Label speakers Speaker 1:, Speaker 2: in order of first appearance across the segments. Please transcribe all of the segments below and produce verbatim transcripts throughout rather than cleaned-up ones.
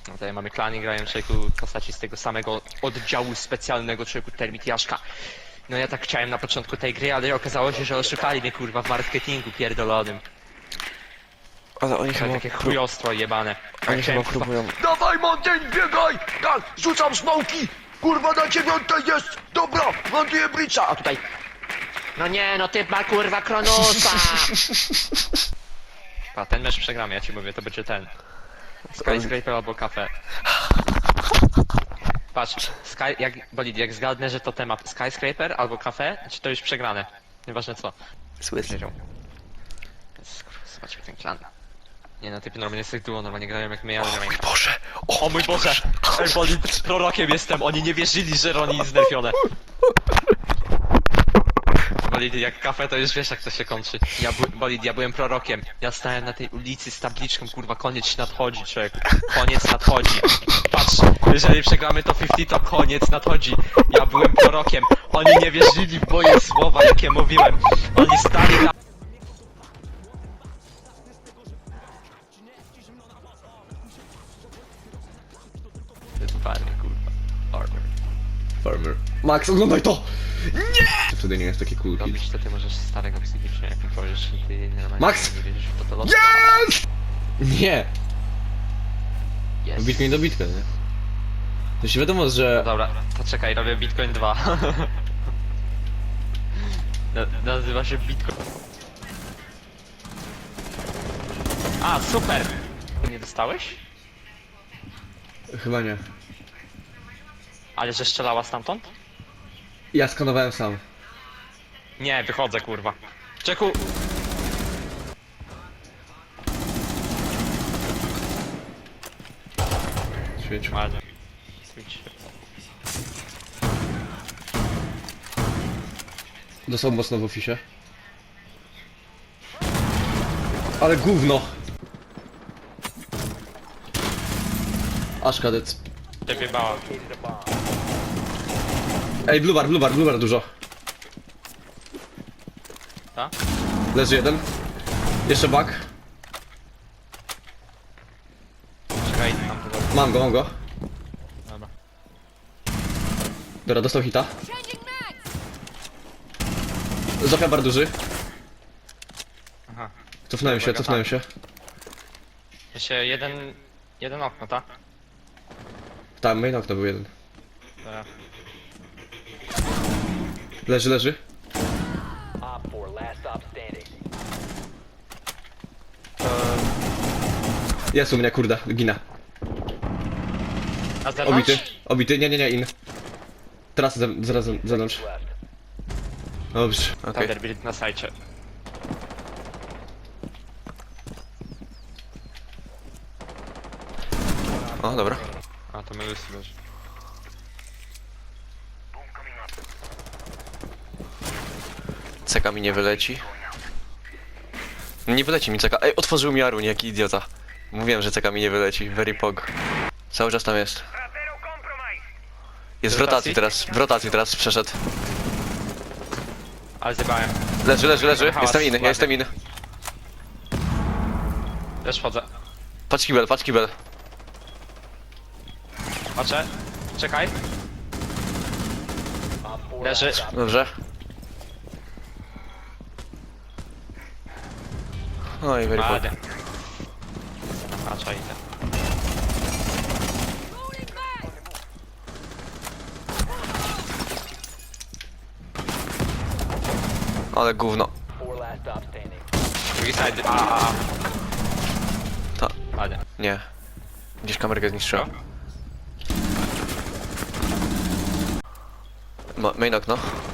Speaker 1: No tutaj mamy klany, grają człowieku w postaci z tego samego oddziału specjalnego człowieku Termitiaszka. No ja tak chciałem na początku tej gry, ale okazało się, że oszukali mnie kurwa w marketingu pierdolonym.
Speaker 2: Ale oni
Speaker 1: To
Speaker 2: chyba...
Speaker 1: takie chujostwo jebane.
Speaker 2: Oni
Speaker 1: Chciałem,
Speaker 2: chyba próbują...
Speaker 1: Dawaj Mountain, biegaj! Tak, rzucam smoki! Kurwa na dziewiątej jest! Dobra, montuję blicza! A tutaj... No nie, no ty ma kurwa Kronosa! Pa, ten mecz przegramy, ja ci mówię, to będzie ten. Skyscraper albo kafe. Patrz, Sky, jak, bolid, jak zgadnę, że to temat Skyscraper albo kafe, czy to już przegrane? Nieważne co.
Speaker 2: Słyszę.
Speaker 1: Wiedział. Zobaczmy ten klan. Nie no, typy normalnie z tych duo normalnie grają jak my, ale
Speaker 2: O mój Boże! O,
Speaker 1: O mój Boże! Ej, bolid, prorokiem jestem, oni nie wierzyli, że Roni jest znerfione. Bolid, jak kafe to już wiesz jak to się kończy. Ja by, bolid, ja byłem prorokiem. Ja stałem na tej ulicy z tabliczką, kurwa, koniec nadchodzi, człowiek. Koniec nadchodzi. Patrz, jeżeli przegramy to pięćdziesiąt, to koniec nadchodzi. Ja byłem prorokiem. Oni nie wierzyli w moje słowa, jakie mówiłem. Oni stali na... Farmer, kurwa. Farmer.
Speaker 2: Farmer. Max, oglądaj to! Nie! Wtedy nie jest taki cool hit.
Speaker 1: Robić to ty możesz starego psychicznie, jak mi powiesz, że ty normalnie
Speaker 2: Max!
Speaker 1: nie wierzysz w patologię.
Speaker 2: Yes! Nie!
Speaker 1: Yes.
Speaker 2: Bitcoin do Bitcoin, nie? To się wiadomo, że...
Speaker 1: Dobra, to czekaj, robię Bitcoin dwa. Na, nazywa się Bitcoin. A, super! Nie dostałeś?
Speaker 2: Chyba nie.
Speaker 1: Ale że strzelała stamtąd?
Speaker 2: Ja skanowałem sam.
Speaker 1: Nie, wychodzę kurwa. Czeku!
Speaker 2: Świecił.
Speaker 1: Ładnie. Switch.
Speaker 2: Dostał mocno w oficie. Ale gówno! Aż kadec.
Speaker 1: Ciebie bała.
Speaker 2: Ej, blue bar, blue bar, blue bar dużo.
Speaker 1: Ta?
Speaker 2: Leży jeden. Jeszcze bug.
Speaker 1: Czekaj, tam tego.
Speaker 2: Mam go, mam go.
Speaker 1: Dobra.
Speaker 2: Dobra, dostał hita. Zofia bar duży.
Speaker 1: Aha.
Speaker 2: Cofnąłem się, cofnąłem się.
Speaker 1: Jeszcze jeden... Jeden okno, tak?
Speaker 2: Tam, main okno był jeden.
Speaker 1: Dobra.
Speaker 2: Leży, leży.
Speaker 3: Op four, last stop standing.
Speaker 2: Jest u mnie, kurde, ginę.
Speaker 1: A zewnątrz?
Speaker 2: Obity, obity, nie, nie, nie, in. Teraz ze, zaraz ze- zewnątrz.
Speaker 3: Left.
Speaker 2: Dobrze, okej.
Speaker 1: Thunderbird na sajcie.
Speaker 2: O, dobra.
Speaker 1: A, to my Lucy leży.
Speaker 2: Ceka mi nie wyleci. Nie wyleci mi ceka. Ej, otworzył mi Arun, jaki idiota. Mówiłem, że ceka mi nie wyleci. Very pog. Cały czas tam jest. Jest w
Speaker 1: W rotacji?
Speaker 2: rotacji teraz, w rotacji teraz przeszedł.
Speaker 1: Ale zjebałem.
Speaker 2: Leży, leży, leży.
Speaker 1: Hałas,
Speaker 2: Jestem inny,
Speaker 1: ładnie.
Speaker 2: ja jestem inny.
Speaker 1: Też wchodzę.
Speaker 2: Patrz kibel, patrz kibel.
Speaker 1: Patrzę. Czekaj.
Speaker 3: Op four,
Speaker 1: Leży.
Speaker 3: last stop.
Speaker 2: Dobrze. Oj, very pog.
Speaker 1: Ładnie. Patrzę idę.
Speaker 2: Ale gówno.
Speaker 3: Four last stop standing.
Speaker 1: Drugi side. A, a, a.
Speaker 2: Ta,
Speaker 1: Ładnie.
Speaker 2: nie. Gdzieś kamerkę zniszczyłem. Ma, main okno.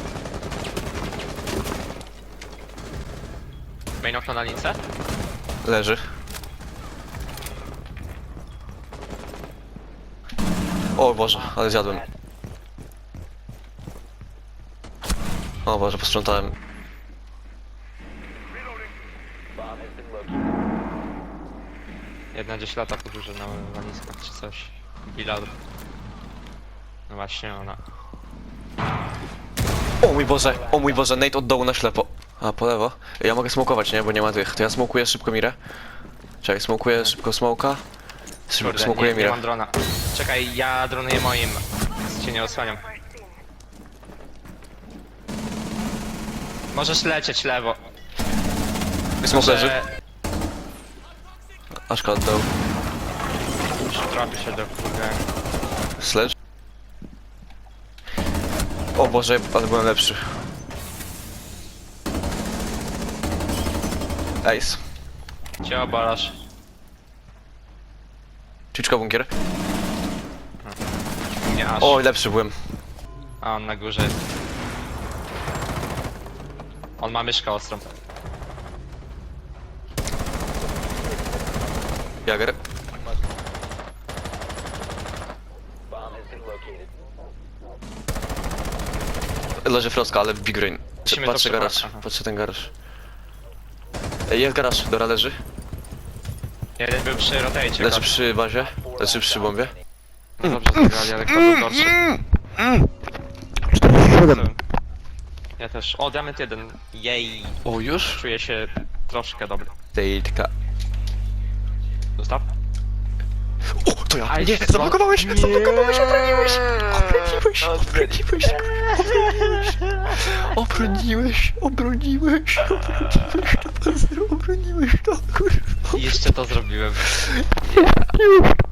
Speaker 1: Main okno na lince?
Speaker 2: Leży. O Boże, ale zjadłem. O Boże, posprzątałem.
Speaker 3: Bomb has been located.
Speaker 1: Jedna gdzieś lata podróże na walizkach czy coś. Bilal. No właśnie ona.
Speaker 2: O mój Boże, o mój Boże, Nate od dołu na ślepo. A, po lewo? Ja mogę smokować, nie? Bo nie ma tych. To ja smokuję szybko mirę. Czekaj, smokuję szybko smoka.
Speaker 1: Kurde,
Speaker 2: Smokuję
Speaker 1: nie, nie
Speaker 2: Mira.
Speaker 1: mam drona. Czekaj, ja dronuję moim. Cię nie osłaniam. Możesz lecieć lewo.
Speaker 2: Smok leży.
Speaker 1: Że-
Speaker 2: Aszka oddał.
Speaker 1: Trafi się do kurde.
Speaker 2: Sledge. O Boże, ale byłem lepszy. Ace.
Speaker 1: Cię obalasz.
Speaker 2: Chiczka bunkier.
Speaker 1: Nie aż.
Speaker 2: O, lepszy byłem.
Speaker 1: A on na górze jest. On ma myszkę ostrą.
Speaker 2: Jager.
Speaker 3: Bomb has been located.
Speaker 2: Leży Froska, ale Big Rain.
Speaker 1: Musimy to
Speaker 2: Patrzę
Speaker 1: przebrać,
Speaker 2: garaż,
Speaker 1: aha.
Speaker 2: patrzę ten garaż. Ej, jest garaż, Dora leży.
Speaker 1: Jeden był przy rotajcie.
Speaker 2: Leży przy bazie, leży przy bombie.
Speaker 1: No dobrze zagrali, ale kto był gorszy? Ja też. O, diament jeden. Jej.
Speaker 2: O, już?
Speaker 1: Czuję się troszkę dobry.
Speaker 2: Tejtka.
Speaker 1: Zostaw.
Speaker 2: O, to ja!
Speaker 1: Aj,
Speaker 2: Nie,
Speaker 1: co?
Speaker 2: zablokowałeś!
Speaker 1: Nie.
Speaker 2: Zablokowałeś, obroniłeś! Obroniłeś, obroniłeś! Obroniłeś, obroniłeś, obroniłeś, obroniłeś, to kurwa.
Speaker 1: I jeszcze to zrobiłem.
Speaker 2: Już,